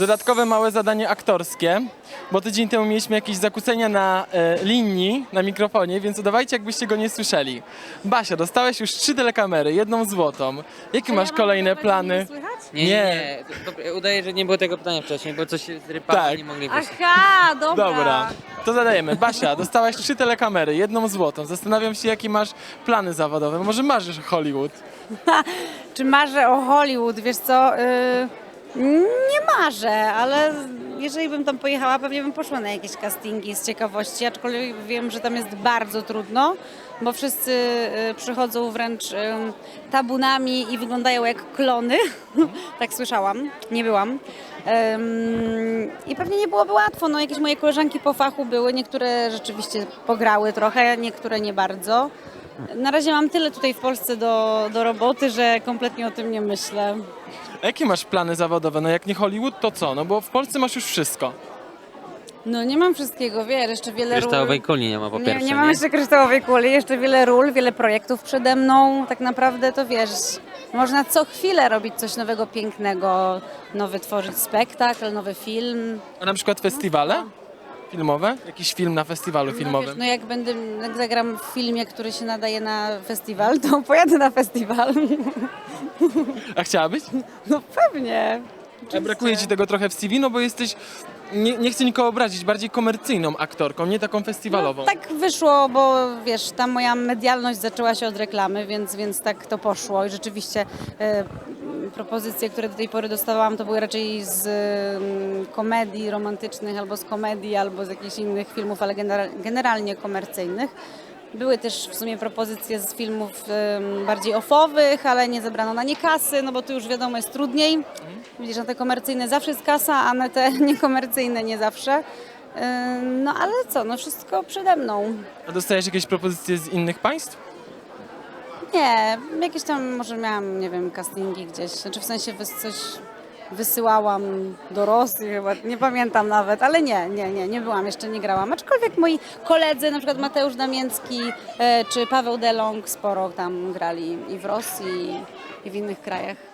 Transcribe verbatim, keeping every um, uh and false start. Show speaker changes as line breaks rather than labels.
dodatkowe małe zadanie aktorskie, bo tydzień temu mieliśmy jakieś zakłócenia na e, linii, na mikrofonie, więc udawajcie, jakbyście go nie słyszeli. Basia, dostałeś już trzy telekamery, jedną złotą. Jakie masz kolejne plany?
Nie, nie, nie. To, to, udaje, że nie było tego pytania wcześniej, bo coś się zrypało
Tak.
i nie mogli wyjść.
Aha, dobra.
Dobra, to zadajemy. Basia, dostałaś trzy telekamery, jedną złotą. Zastanawiam się, jakie masz plany zawodowe. Może marzysz o Hollywood?
Czy marzę o Hollywood? Wiesz co, yy, nie marzę, ale jeżeli bym tam pojechała, pewnie bym poszła na jakieś castingi z ciekawości, aczkolwiek wiem, że tam jest bardzo trudno, bo wszyscy yy, przychodzą wręcz yy, tabunami i wyglądają jak klony. Tak słyszałam, nie byłam. Ym, I pewnie nie byłoby łatwo, no jakieś moje koleżanki po fachu były, niektóre rzeczywiście pograły trochę, niektóre nie bardzo. Na razie mam tyle tutaj w Polsce do, do roboty, że kompletnie o tym nie myślę.
A jakie masz plany zawodowe? No jak nie Hollywood, to co? No bo w Polsce masz już wszystko.
No nie mam wszystkiego, wiesz, jeszcze wiele ról.
Kryształowej kuli nie ma po
Nie,
pierwsze,
nie mam jeszcze kryształowej kuli, jeszcze wiele ról, wiele projektów przede mną. Tak naprawdę to wiesz, można co chwilę robić coś nowego, pięknego, nowy tworzyć spektakl, nowy film.
A na przykład festiwale filmowe? Jakiś film na festiwalu
No,
filmowym?
wiesz, no jak będę, jak zagram w filmie, który się nadaje na festiwal, to pojadę na festiwal.
A chciałabyś?
No pewnie.
A brakuje ci tego trochę w C V, no bo jesteś, nie, nie chcę nikogo obrazić, bardziej komercyjną aktorką, nie taką festiwalową.
No, tak wyszło, bo wiesz, ta moja medialność zaczęła się od reklamy, więc, więc tak to poszło i rzeczywiście e, propozycje, które do tej pory dostawałam, to były raczej z e, komedii romantycznych, albo z komedii, albo z jakichś innych filmów, ale genera- generalnie komercyjnych. Były też w sumie propozycje z filmów e, bardziej offowych, ale nie zebrano na nie kasy, no bo tu już wiadomo jest trudniej. Widzisz, na te komercyjne zawsze jest kasa, a na te niekomercyjne nie zawsze. E, No ale co, no wszystko przede mną.
A dostajesz jakieś propozycje z innych państw?
Nie, jakieś tam może miałam, nie wiem, castingi gdzieś, znaczy w sensie wys- coś wysyłałam do Rosji chyba, nie pamiętam nawet, ale nie, nie, nie, nie byłam, jeszcze nie grałam. Aczkolwiek moi koledzy, na przykład Mateusz Damięcki e, czy Paweł Delong sporo tam grali i w Rosji i w innych krajach.